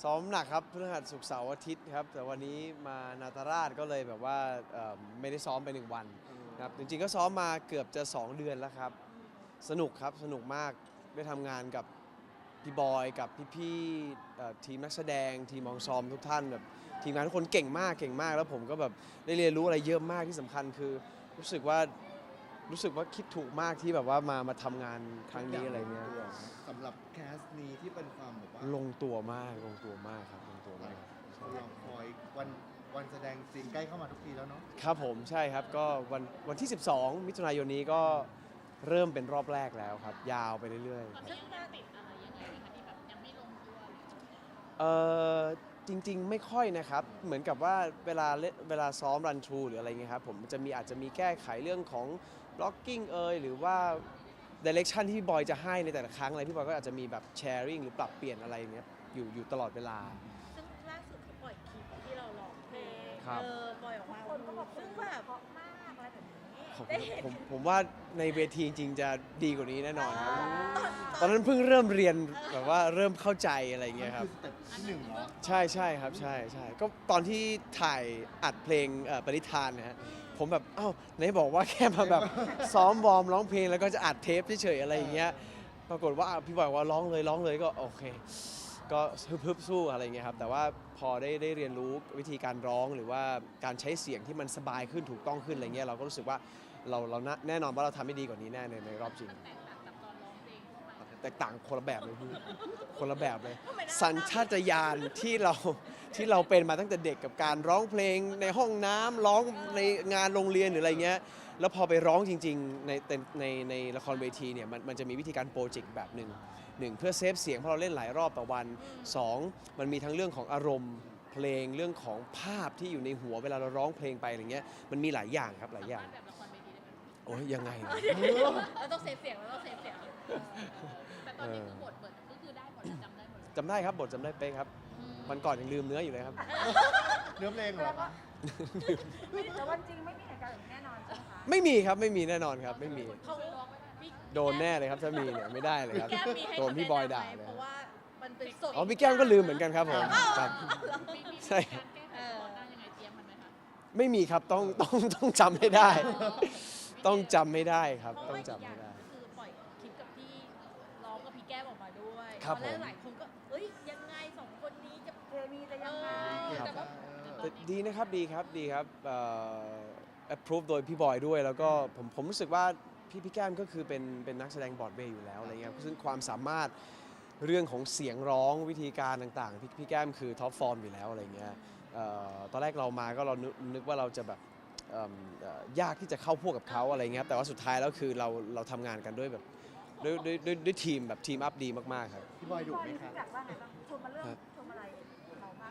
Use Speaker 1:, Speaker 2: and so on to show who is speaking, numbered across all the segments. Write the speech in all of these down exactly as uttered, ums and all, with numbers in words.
Speaker 1: ซ้อมหนักครับพฤหัสศุกร์เสาร์อาทิตย์ครับแต่วันนี้มานาตราชก็เลยแบบว่าเอ่อไม่ได้ซ้อมไปหนึ่งวันครับจริงๆก็ซ้อมมาเกือบจะสองเดือนแล้วครับสนุกครับสนุกมากได้ทำงานกับพี่บอยกับพี่ๆเอ่อทีมนักแสดงทีมมองซอมทุกท่านแบบทีมงานทุกคนเก่งมากเก่งมากแล้วผมก็แบบได้เรียนรู้อะไรเยอะมากที่สำคัญคือรู้สึกว่ารู้สึกว่าคิดถูกมากที่แบบว่ามามาทำงานครั้งนี้อะไรเงี้ย
Speaker 2: สำหรับแคสนี้ที่เป็นความแบบว่า
Speaker 1: ลงตัวมากลงตัวมากครับลงตัวมาก
Speaker 2: รอคอยวันวันแสดงจริงใกล้เข้ามาทุกทีแล้วเนาะ
Speaker 1: ครับผมใช่ครับก็วันวันที่ สิบสอง มิถุนายนนี้ก็เริ่มเป็นรอบแรกแล้วครับ ยาวไปเรื่อยๆ
Speaker 3: ตอนนี้ยังติดอะไรยังไงคะที่แบบยังไม่ลงตัวเลย
Speaker 1: เออจริงๆไม่ค่อยนะครับ เหมือนกับว่าเวลาเล่นเวลาซ้อมรันทรูหรืออะไรเงี้ยครับผมจะมีอาจจะมีแก้ไขเรื่องของบล็อกกิ้งเอยหรือว่าดิเรกชันที่พี่บอยจะให้ในแต่ละครั้งอะไรพี่บอยก็อาจจะมีแบบแชร์ริ่งหรือปรับเปลี่ยนอะไรเนี้ยอยู่อยู่ตลอดเวลา
Speaker 4: ซึ่งล่าสุดเขาปล่อยคลิปที่เราร้องเพลง
Speaker 1: ครับ
Speaker 4: เออปล่อยออกมา
Speaker 5: คนก็บอก
Speaker 4: ซึ่ง
Speaker 5: ว่า
Speaker 4: แบบ
Speaker 5: เพราะมากอะไรแบบนี้
Speaker 1: ผม
Speaker 4: ได้เห็น
Speaker 1: ผมผมว่าในเวทีจริงๆจะดีกว่านี้แน่นอนครับ
Speaker 4: ตอน
Speaker 1: ตอนนั้นเพิ่งเริ่มเรียนแบบว่าเริ่มเข้าใจอะไร
Speaker 2: มัน
Speaker 1: เงี้ยครับ
Speaker 2: คือสเต็ปที่หนึ่งเหรอ
Speaker 1: ใช่ใช่ครับใช่ใช่ก็ตอนที่ถ่ายอัดเพลงเอ่อปริธานนะฮะผมแบบเอ้าไหนบอกว่าแค่มาแบบ ซ้อมวอร์มร้องเพลงแล้วก็จะอัดเทปเฉยๆอะไรอย่างเงี้ยปรากฏว่าอ่ะพี่บอกว่าร้องเลยร้องเลยก็โอเค ก็ฮึบๆสู้อะไรเงี้ยครับแต่ว่าพอได้ได้เรียนรู้วิธีการร้องหรือว่าการใช้เสียงที่มันสบายขึ้นถูกต้องขึ้นอะไรเงี้ยเราก็รู้สึกว่าเราเราน่าแน่นอนว่าเราทำได้ดีกว่านี้แน่ในในรอบจริง
Speaker 3: แตกต่างจากตอนร้องเพลงทั่วไป
Speaker 1: แตกต่างคนละแบบเลยพี่ คนละแบบเลย
Speaker 4: ทำไมน่า
Speaker 1: สัญชาตญาณที่เราที่เราเป็นมาตั้งแต่เด็กกับการร้องเพลงในห้องน้ำร้องในงานโรงเรียนหรืออะไรเงี้ยแล้วพอไปร้องจริงๆในในในในละครเวทีเนี่ยมันมันจะมีวิธีการโปรเจกต์แบบหนึ่งหนึ่งเพื่อเซฟเสียงเพราะเราเล่นหลายรอบต่อวันสองมันมีทั้งเรื่องของอารมณ์เพลงเรื่องของภาพที่อยู่ในหัวเวลาเราร้องเพลงไปอะไรเงี้ยมันมีหลายอย่างครับหลายอย่าง
Speaker 3: แบบละครเวทีได้ไหม
Speaker 1: โอ้ยยังไงอะ
Speaker 4: เราต้องเซฟเสียงเราต้องเซฟเสียง
Speaker 3: แต่ตอนนี้คือบทเปิดก็คือได้หมดแล้วจำได้หมดเลย
Speaker 1: จำได้ครับบทจำได้เป๊ะครับวันก่อนยังลืมเนื้ออยู่เลยครับ
Speaker 2: เนื้อเพลงเหรอคะ
Speaker 5: แต่วันจริงไม่มีเหตุการณ์แบบนี้แน่นอนใช่ไหมคะ
Speaker 1: ไม่มีครับไม่มีแน่นอนครับไม่มี
Speaker 4: เขาพี่
Speaker 1: โดนแน่เลยครับถ้ามีเนี่ยไม่ได้เลยครับ
Speaker 4: แก้มมีให้
Speaker 1: โดนพี่บอยด่า
Speaker 4: คำแนะนำไหม
Speaker 1: เลย
Speaker 4: เพราะว่ามันเป็นสด
Speaker 1: อ๋อพี่แก้มก็ลืมเหมือนกันครับผมครับ
Speaker 3: มีมี
Speaker 1: ใช่
Speaker 3: การแก้ไขเฉพาะหน้ายังไงเตรียมมันไหมคะ
Speaker 1: ไม่มีครับต้องต้องต้องจำให้ได้ ต้องจำไม่ได้ครับ
Speaker 4: เพราะ
Speaker 1: ต้อง
Speaker 4: ว่าอีก
Speaker 1: จำ
Speaker 4: อย่า
Speaker 1: ไม่
Speaker 4: ง
Speaker 1: ได้
Speaker 4: คือปล่อยคลิปกับพี่ร้องกับพี่แก้มออกมาด้วย
Speaker 1: ครับ
Speaker 4: ตอนแร
Speaker 1: ผ
Speaker 4: ก
Speaker 1: ม
Speaker 4: หลายคนก็เอ้ยยังไงสองคนนี้จะ
Speaker 5: เคมีจะยังไง
Speaker 1: ครับ
Speaker 3: แต่ว่า
Speaker 1: แต่ดีนะครับดีครับดีครับเอ่อ approve โดยพี่บอยด้วยแล้วก็ผมผมรู้สึกว่าพี่พี่แก้มก็คือเป็นเป็นนักแสดงบรอดเวย์อยู่แล้วอะไรเงี้ยซึ่งความสามารถเรื่องของเสียงร้องวิธีการต่างๆพี่พี่แก้มคือท็อปฟอร์มอยู่แล้วอะไรเงี้ยเอ่อตอนแรกเรามาก็เรานึกนึกว่าเราจะแบบเอิ่มเอ่อยากที่จะเข้าพวกกับเขาอะไรเงี้ยครับแต่ว่าสุดท้ายแล้วคือเราเราทำงานกันด้วยแบบด้วยด้วยด้วยด้วยทีมแบบทีมอัพดีมากๆครับ
Speaker 2: พี่บอยดุไหม
Speaker 5: พี่
Speaker 2: คะ
Speaker 5: แบบว่าไงบ้างชมมาเรื่อง
Speaker 1: ครับ
Speaker 5: ชมอะไรเราบ้าง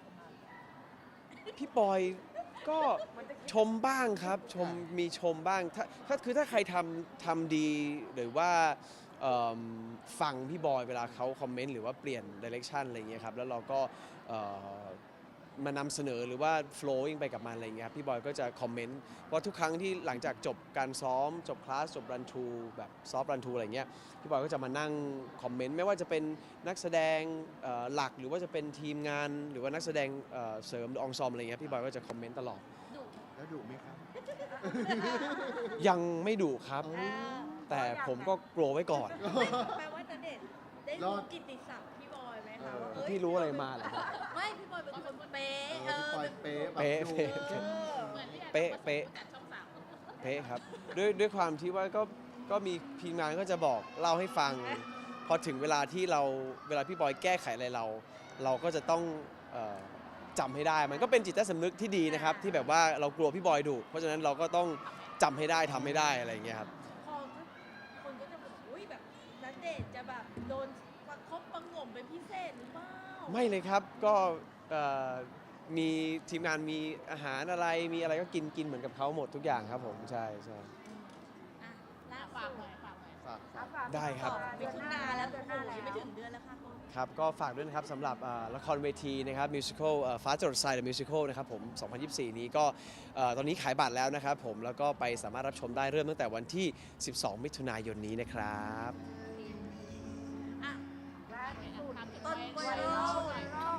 Speaker 1: พี่บอยก็ชมบ้างครับชมมีชมบ้างถ้าถ้าคือถ้าใครทำทำดีหรือว่าเอิ่มฟังพี่บอยเวลาเขาคอมเมนต์หรือว่าเปลี่ยนดิเรกชันอะไรเงี้ยครับแล้วเราก็เอ่อมานำเสนอหรือว่า flowing ไปกับมันอะไรเงี้ยครับพี่บอยก็จะคอมเมนต์ว่าทุกครั้งที่หลังจากจบการซ้อมจบคลาสจบรันทูแบบซอฟรันทูอะไรเงี้ยพี่บอยก็จะมานั่งคอมเมนต์ไม่ว่าจะเป็นนักแสดงเอ่อหลักหรือว่าจะเป็นทีมงาน หรือว่านักแสดงเอ่อเสริมอองซอมอะไรเงี้ยพี่บอยก็จะคอมเมนต์ตลอด
Speaker 4: ดุ
Speaker 2: แล้วดุไหมคะ
Speaker 1: ยังไม่ดุครับ
Speaker 4: อ่า
Speaker 1: แต่ผมก็กลัวไว้ก่อน
Speaker 4: แปลว่าจะเด็ดได้รู้กิตติศัพท์พี่บอยไหมคะว่าเอ้ย
Speaker 1: พี่รู้อะไรมาเหรอครับ
Speaker 4: ไม่พี่บอยเป็นคนเป๊ะ
Speaker 2: เอ
Speaker 4: เอ
Speaker 2: อ
Speaker 4: อ
Speaker 2: พี่บอย
Speaker 4: เป็น
Speaker 2: เป๊ะแบบ
Speaker 1: เป๊ะ
Speaker 2: ดุ
Speaker 1: เป๊ะ
Speaker 4: เออ
Speaker 3: เหมือนที่แอน
Speaker 1: เป๊ะเป๊ะ
Speaker 3: จัดช่องสาม
Speaker 1: เป๊ะครับด้วยด้วยความที่ว่าก็ก็มีทีมงานก็จะบอกเล่าให้ฟัง พอถึงเวลาที่เราเวลาพี่บอยแก้ไขอะไรเรา เราก็จะต้องเอ่อจำให้ได้ มันก็เป็นจิตใต้สำนึกที่ดีนะครับ ที่แบบว่าเรากลัวพี่บอยดุเพราะฉะนั้นเราก็ต้องจำให้ได้ทำให้ได้อะไรอย่างเงี้ยครับ
Speaker 4: พอคนก็จะแบบอุ้ยแบบนัดเดทจะแบบโดนประคบประหงมเป็นพิเศษหรือเปล่า
Speaker 1: ไม่เลยครับก็เอ่อมีทีมงานมีอาหารอะไรมีอะไรก็กินกินเหมือนกับเขาหมดทุกอย่างครับผมใช่ใช่
Speaker 4: อ่ะล่า
Speaker 3: ฝาก
Speaker 4: สุ
Speaker 3: หน่
Speaker 4: ด
Speaker 3: อยฝากหน่อย
Speaker 2: ฝาก
Speaker 5: เอาฝาก
Speaker 1: ได้ครับ
Speaker 4: มิถุนาแล้วโอ้โหยังไม่ถึงเดือนแล้วค่ะ
Speaker 1: ครับก็ฝากด้วยนะครับสำหรับเอ่อละครเวทีนะครับมิวสิควลฟ้าจรดทรายเดอะมิวสิควลนะครับผมสองพันยี่สิบสี่นี้ก็เอ่อตอนนี้ขายบัตรแล้วนะครับผมแล้วก็ไปสามารถรับชมได้เริ่มตั้งแต่วันที่ สิบสอง มิถุนายนนี้นะครับ
Speaker 4: อ่ะ
Speaker 5: ล่าสุด
Speaker 3: ทำ
Speaker 4: ต้นไว
Speaker 5: ไว
Speaker 4: รั
Speaker 5: รั
Speaker 4: ล
Speaker 5: ลไวรัล
Speaker 4: ค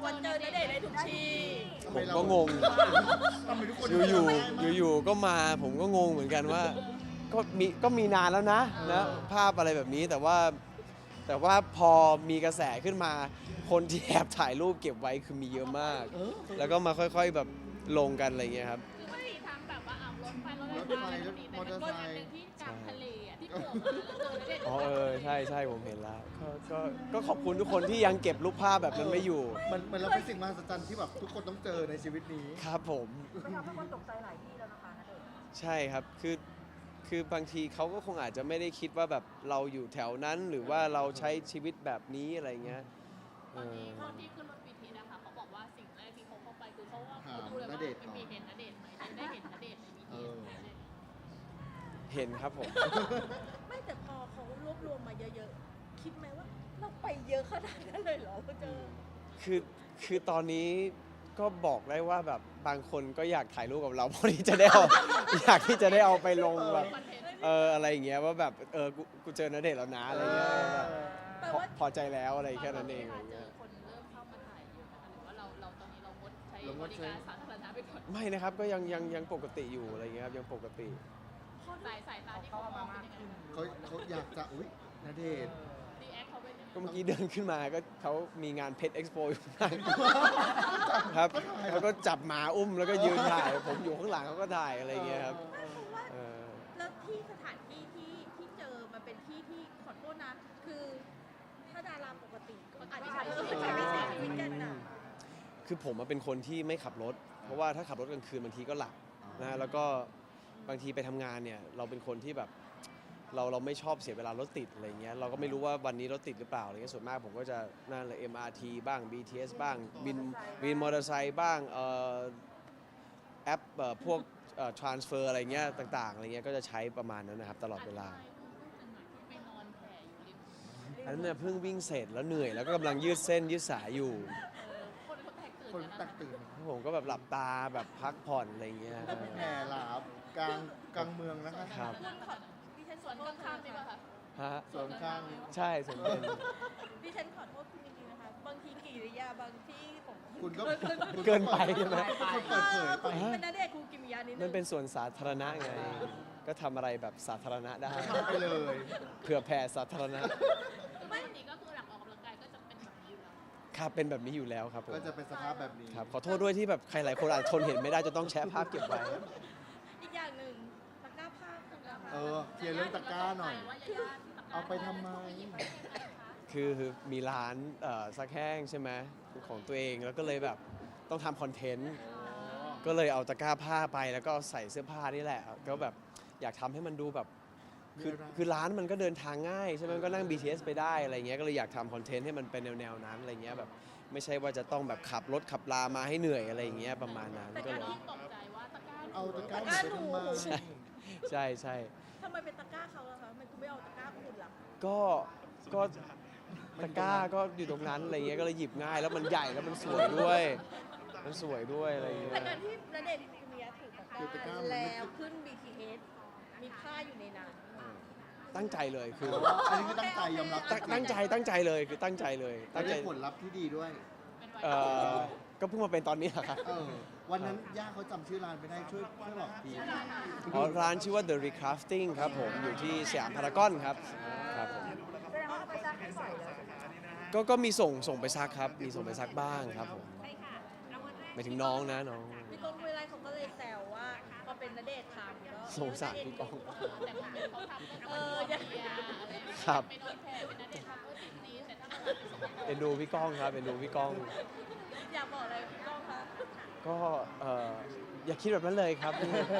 Speaker 4: บอกว่าเจอณเดชน์ได้ทุกที่
Speaker 2: ทำ
Speaker 1: ผ
Speaker 2: ไม
Speaker 1: ม
Speaker 2: เรา
Speaker 1: ก็งง
Speaker 2: ทำไมทุกคน
Speaker 1: อยู่อยู่
Speaker 2: จำได้มาก
Speaker 1: อยู่ๆก็มาผมก็งงเหมือนกันว่าก็มีก็มีนานแล้วนะนะภาพอะไรแบบนี้แต่ว่าแต่ว่าพอมีกระแสขึ้นมา คนที่แอบถ่ายรูปเก็บไว้คือมีเยอะมาก
Speaker 2: เออ
Speaker 1: แล้วก็มาค่อยๆแบบลงกันอะไรเงี้ยครับ
Speaker 3: คือไม่ได้ทำแบบว่าเอารถไฟรถ
Speaker 2: รถไฟ
Speaker 3: อะไรแบบนี้
Speaker 2: มอเตอ
Speaker 3: แต่
Speaker 2: ร์
Speaker 3: เป็น
Speaker 2: ไซ
Speaker 3: รถ
Speaker 2: ค์
Speaker 3: อันหนึ่งที่กลางทะเลอ่ะที่โผล่มาแล้วเจอณเดชน์
Speaker 1: อ๋อเออใช่ใช่ผมเห็นแล้วก็ก็ก็ขอบคุณทุกคนที่ยังเก็บรูปภาพแบบนั้นไม่อยู่
Speaker 2: มันมันเราเป็นสิ่งมหัศจรรย์ที่แบบทุกคนต้องเจอในชีวิตนี้
Speaker 1: ครับผม
Speaker 5: มันทำให้คนตกใจหลายที่แล้วนะคะณเดชน์
Speaker 1: ใช่ครับคือคือบางทีเขาก็คงอาจจะไม่ได้คิดว่าแบบเราอยู่แถวนั้นหรือว่าเราใช้ชีวิตแบบนี้อะไรเงี้ย
Speaker 3: ตอนนี้ตอนที่ขึ้นรถบีทีนะคะเขาบอกว่าสิ่งแรกที่เขาเข้าไปคือเขาว่าเขาดูเลยว่าเป็นมีเห็นณเดชน์ไหมได้เห็นณเดชน์ในบี
Speaker 2: เอ
Speaker 3: ที
Speaker 2: อ
Speaker 1: เห็นครับผม
Speaker 4: ไม่แต่พอเขารวบรวมมาเยอะๆ คิดไหมว่าเราไปเยอะขนาดนั้นเลยเหรอเราเจอ
Speaker 1: คือคือตอนนี้ก็บอกได้ว่าแบบบางคนก็อยากถ่ายรูปกับเรา เพราะที่จะได้เอา อยากที่จะได้เอาไปลงแบบ
Speaker 3: คอนเทนต์
Speaker 1: เอออะไรอย่างเงี้ยว่าแบบเออกูกูเจอณเดชน์แล้วนะอะไรเงี้ยแบบ
Speaker 4: แปล
Speaker 1: พอ
Speaker 4: ว่า
Speaker 1: พอใจแล้วอะไรแค่นั้นเองอะไร
Speaker 3: เจ
Speaker 1: เงี้
Speaker 3: อย คนเริ่มเข้ามาถ่ายเยอะนะคะหรือว่าเราเราตอนนี้เรางดใช้
Speaker 2: เราง
Speaker 3: บ
Speaker 2: ด
Speaker 3: ริ
Speaker 2: ใช้
Speaker 3: การสาธารณะไปก่อน
Speaker 1: ไม่นะครับก็ยังยังยังปกติอยู่อะไรเงี้ยครับยังปกติ
Speaker 3: สายสายตาที่เขามองเป็นยังไง
Speaker 2: เขาเขาอยากจะอุ้ยณเดชน์
Speaker 3: รีแอคเขาเป็นยังไง
Speaker 1: ก็เมื่อกี้เดินขึ้นมาก็เขามีงานเพชรเอ็กซ์โปอยู่ข้างหลัง ครับแล้วก็จับหมาอุ้มแล้วก็ยืนถ่าย ผมอยู่ข้างหลังเขาก็ถ่ายอะไรเงี้ยครับ
Speaker 4: ไม่เพราะว่า
Speaker 1: เออ
Speaker 4: แล้วที่สถานที่ที่ที่เจอมันเป็นที่ที่ขอโทษนะ คือถ้าดาราปกติก็อาจจะใช้ชีวิตใช้ชีวิตกันน่ะ
Speaker 1: คือผมอะเป็นคนที่ไม่ขับรถ เพราะว่าถ้าขับรถกลางคืนบางทีก็หลับนะฮะแล้วก็บางทีไปทำงานเนี่ยเราเป็นคนที่แบบเราเราไม่ชอบเสียเวลารถติดอะไรเงี้ยเราก็ไม่รู้ว่าวันนี้รถติดหรือเปล่าอะไรเงี้ยส่วนมากผมก็จะนั่นเลย เอ็ม อาร์ ที บ้าง บี ที เอส บ้างวินวินมอเตอร์ไซค์บ้างเอ่อแอปเอ่อพวกเอ่อ transfer อะไรเงี้ยต่างๆอะไรเงี้ยก็จะใช้ประมาณนั้นนะครับตลอดเวลา
Speaker 3: ไปนอนแผ่อยู่ริม
Speaker 1: อันนั้นเนี่ยเพิ่งวิ่งเสร็จแล้วเหนื่อยแล้วก็กำลังยืดเส้นยืดสายอยู่
Speaker 3: เออคนเขาแตกตื่น
Speaker 2: คน
Speaker 3: กัน
Speaker 2: ตั
Speaker 3: นะ
Speaker 2: กตื่น
Speaker 1: ผมก็แบบหลับตาแบบพักผ่อนอะไรเงี้ย
Speaker 2: แห่หลาบกลางกลางเมืองนะคะ
Speaker 1: ครับ
Speaker 4: คุณขอดิฉัน
Speaker 3: ส
Speaker 4: ข
Speaker 3: ว
Speaker 4: อน โทษ
Speaker 3: ข้างๆนี่ป่ะคะ
Speaker 1: ฮะ
Speaker 2: ส่วนข้าง
Speaker 1: ใช่สมเป็น
Speaker 4: ดิฉันขอโทษคุณจริงๆนะคะ บางทีกิริยาบางที่ของ
Speaker 2: คุณก็
Speaker 1: เกินไปใช่ไหม
Speaker 2: คุณเปิดเผยไป
Speaker 4: คุณเป็นนาเดชน์คุณกิมิยานิดนึง
Speaker 1: มันเป็นส่วนสาธารณะไง ก็ทำอะไรแบบสาธารณะได้
Speaker 2: ทำไปเลย
Speaker 1: เผื่อแผ่สาธารณะ
Speaker 3: คือไม่นี้ก็คือหลังออกกำลังกายก็จะเป็นแบบนี้อยู่แล้ว
Speaker 1: ครับเป็นแบบนี้อยู่แล้วครับผม
Speaker 2: ก็จะเป็นสภาพแบบนี้
Speaker 1: ครับขอโทษด้วยที่แบบใครหลายคนอาจทนเห็นไม่ได้จะต้องแชะภาพเก็บไว้
Speaker 4: อีกอย่างหนึ่งตะกร้าผ้าคุณนะคะ
Speaker 2: เออเคลียร์เรื่องตะกร้าหน่อย
Speaker 3: ว่ายาๆตะกร้
Speaker 2: เอาไปทำไม
Speaker 1: คือมีร้านเอ่อซักแห้งใช่ไหมของตัวเองแล้วก็เลยแบบต้องทำคอนเทนต์ ก็เลยเอาตะกร้าผ้าไปแล้วก็ใส่เสื้อผ้านี่แหละ ก็แบบอยากทำให้มันดูแบบ คือ
Speaker 2: มีอะไร
Speaker 1: คือร้านมันก็เดินทางง่ายใช่ไหมมันก็นั่ง บี ที เอส ไปได้อะไรเงี้ย ก็เลยอยากทำคอนเทนต์ให้มันเป็นแนวๆนั้นอะไรเงี้ยแบบไม่ใช่ว่าจะต้องแบบขับรถขับลามาให้เหนื่อยอะไรเงี้ยประมาณนั้น
Speaker 3: แต่
Speaker 1: ก็
Speaker 3: การ
Speaker 1: เลย
Speaker 3: ที่ตกใจว่าตะกร้า
Speaker 2: เอาตะกร้าหนูไปทำไม
Speaker 1: ใช่ใช่
Speaker 4: ทำไมเป็นตะกร้าเขาล่ะคะทำไมคุณไม่เอาตะกร้าคุณล่ะ
Speaker 1: ก็ก็ตะกร้าก็อยู่ตรงนั้นอะไรเงี้ย ก็เลยหยิบง่ายแล้วมันใหญ่แล้วมันสวยด้วย มันสวยด้วยอะไรเงี้
Speaker 4: แต่
Speaker 1: ย
Speaker 4: การที่ณเดชน์กิมิยาถือตะก
Speaker 2: ถือตะก
Speaker 4: ร้า
Speaker 2: ร้ามันไม่
Speaker 4: แล้วขึ้น บี ที เอส มีผ้าอยู่ในนั้น
Speaker 1: ตั้งใจเลยคือ
Speaker 2: อันนี้คือตั้งใจยอมรับ
Speaker 1: ตั้งตั้งใจตั้งใจเลยคือตั้งใจเลย
Speaker 2: แล้
Speaker 1: ตั้
Speaker 2: ว
Speaker 1: งใจ
Speaker 2: ได้ผลลัพธ์ที่ดีด้วย
Speaker 3: เป็นไว
Speaker 1: เอ่อก็เพิ่งมาเป็นตอนนี้แหละครับ
Speaker 2: เออ วันนั้นย่าเขาจำชื่อร้านไม่ได้ช่วยช่วยบอกที
Speaker 1: อ๋อร้านชื่อว่า The Recrafting ครับผมอยู่ที่สยามพารากอนครับครับผม
Speaker 5: แสดงว่าเราไปซักให้บ่อยเลย
Speaker 1: ก็ก็มีส่งส่งไปซักครับ มีส่งไปซักบ้างครับผมหมายถึงน้องนะน้อง
Speaker 4: พี่ก้องห้วยไร่เขาก็เลยแซวว่าพอเป็นณเดชน์ทำแล้ว
Speaker 1: สงสารพี่ก้อง
Speaker 3: แต่คนอื่นเขาทำก็
Speaker 4: เอ
Speaker 3: เอ
Speaker 4: อ
Speaker 3: อ
Speaker 4: อย่า
Speaker 3: เบียร์อะไรอย่างเงี้ย
Speaker 1: ครับ
Speaker 3: ไปนอนแผ่เป็นนัดเด็ดทำก็ติดนี้แต่ถ้ามันไปส่งของ
Speaker 1: เป็นดูพี่ก้องครับเป็นดูพี่ก้อง
Speaker 4: อยากบอกอะไรพี่ก้องคะ
Speaker 1: ก็เอ่ออย่าคิดแบบนั้นเลยครับ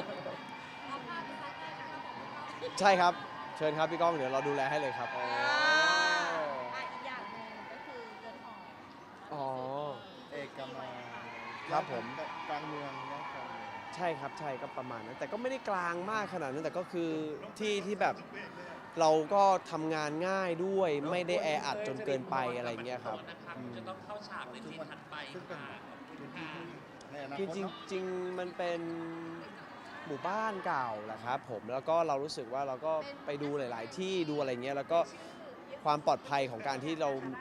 Speaker 1: ใช่ครับ เชิญครับพี่ก้องเดี๋ยวเราดูแลให้เลยครับ
Speaker 4: อ่าอ่ะอีกอย่างหนึ่งก็คือเรือนหอ
Speaker 1: อ๋อ
Speaker 2: เอกมัย
Speaker 1: ครับผม
Speaker 2: กลางเมืองย่านกลางเมือง
Speaker 1: ใช่ครับใช่ก็ประมาณนั้น แต่ก็ไม่ได้กลางมากขนาดนั้นแต่ก็คือที่ที่แบบเราก็ทำงานง่ายด้วยไม่ได้แออัดจนเกินไปอะไรเงี้ยครับอืม
Speaker 6: จะต้องเข้าฉากในซีนถัดไป
Speaker 2: ซึ่งเป็น
Speaker 6: ค่ะ
Speaker 2: เป็นที่ที่ในอนา
Speaker 1: คือ
Speaker 2: คต
Speaker 1: จริง
Speaker 2: เนอะ
Speaker 1: จริงมันเป็นหมู่บ้านเก่าแหละครับผมแล้วก็เรารู้สึกว่าเราก็ไปดูหลาย ๆ ที่ดูอะไรเงี้ยแล้วก็ความปลอดภัยของการที่เรา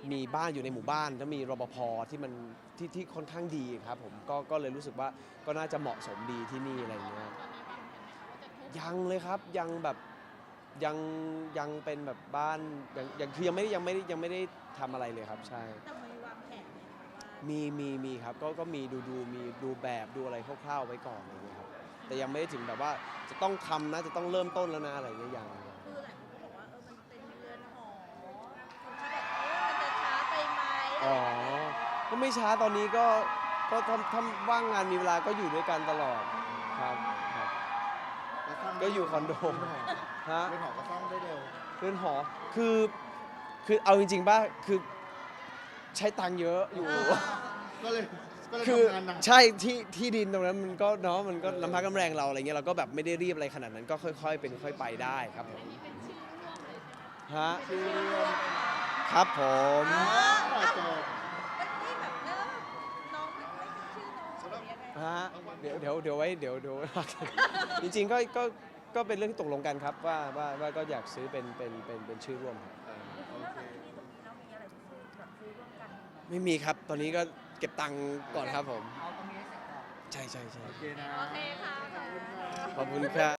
Speaker 1: มีบ้านอยู่ในหมู่บ้านแล้วมีรปภที่มันที่ที่ค่อนข้างดีครับผมก็ก็เลยรู้สึกว่าก็น่าจะเหมาะสมดีที่นี่อะไรอย่างเงี้ยยังเลยครับยังแบบยังยังเป็นแบบบ้านยังยังคือยังไม่ได้ยังไม่ได้ยังไม่ได้ทำอะไรเลยครับใช่
Speaker 4: แต่มีวางแผนไหมคะว่า
Speaker 1: มีมีมีครับก็ก็มีดูดูมีดูแบบดูอะไรคร่าวๆไว้ก่อนอะไรอย่างเงี้ยครับแต่ยังไม่ได้ถึงแบบว่าจะต้องทำนะจะต้องเริ่มต้นแล้วนะอะไรอย่างเงี้ยยัง
Speaker 4: คือหลายคนก็บอกว่าเออมันเป็นเรือนหอคนที่แบบเออมันจะช้าไปไหม
Speaker 1: อ๋อก็ไม่ช้าตอนนี้ก็ก็ทำทำว่างงานมีเวลาก็อยู่ด้วยกันตลอดครับครับ
Speaker 2: แล้วสร้าง
Speaker 1: ก็อยู่คอนโด
Speaker 2: เรือนหอ
Speaker 1: ฮะ
Speaker 2: เรือนหอก็สร้างได้เร็ว
Speaker 1: เรือนหอคือคือเอาจริงๆป่ะคือใช้ตังค์เยอะอยู่
Speaker 2: ก็เลยก็เลย
Speaker 1: คือ
Speaker 2: ทำงานหนัก
Speaker 1: ใช่ที่ที่ดินตรงนั้นมันก็เนาะมันก็ลำพักลำแรงเราอะไรเงี้ยเราก็แบบไม่ได้รีบอะไรขนาดนั้นก็ค่อย ๆ เป็นค่อยไปได้ครับผมฮะ
Speaker 2: ชื่อเรื่อง
Speaker 1: ครับผม
Speaker 4: อ๋อ
Speaker 2: ต่อ
Speaker 4: เอ้า
Speaker 2: จบ
Speaker 4: มันนี่แบบเออน้องไม่ไม่เป็นชื่อน้องหรือยังไง
Speaker 1: ฮะเดี๋ยวเดี๋ยวเดี๋ยวไว้เดี๋ยวเดี๋ยว จริงๆก็ก็ก็เป็นเรื่องที่ตกลงกันครับว่าว่าว่าก็อยากซื้อเป็นเป็นเป็นเป็นชื่อร่วมครับ
Speaker 2: เออโอ
Speaker 5: แล้ว
Speaker 2: เค
Speaker 5: จากที่นี่ตรงนี้เรามีอะไรที่ซื้อแบบซื้อร่วมกัน
Speaker 1: ไม่มีครับตอนนี้ก็เก็บตังค์ก่อนครับผม
Speaker 5: เอาตรงนี้ให้เสร็จก่อน
Speaker 1: ใช่ใช่ใช่
Speaker 2: โอเคนะ
Speaker 4: โอเคค่ะ
Speaker 1: ขอบคุณครับ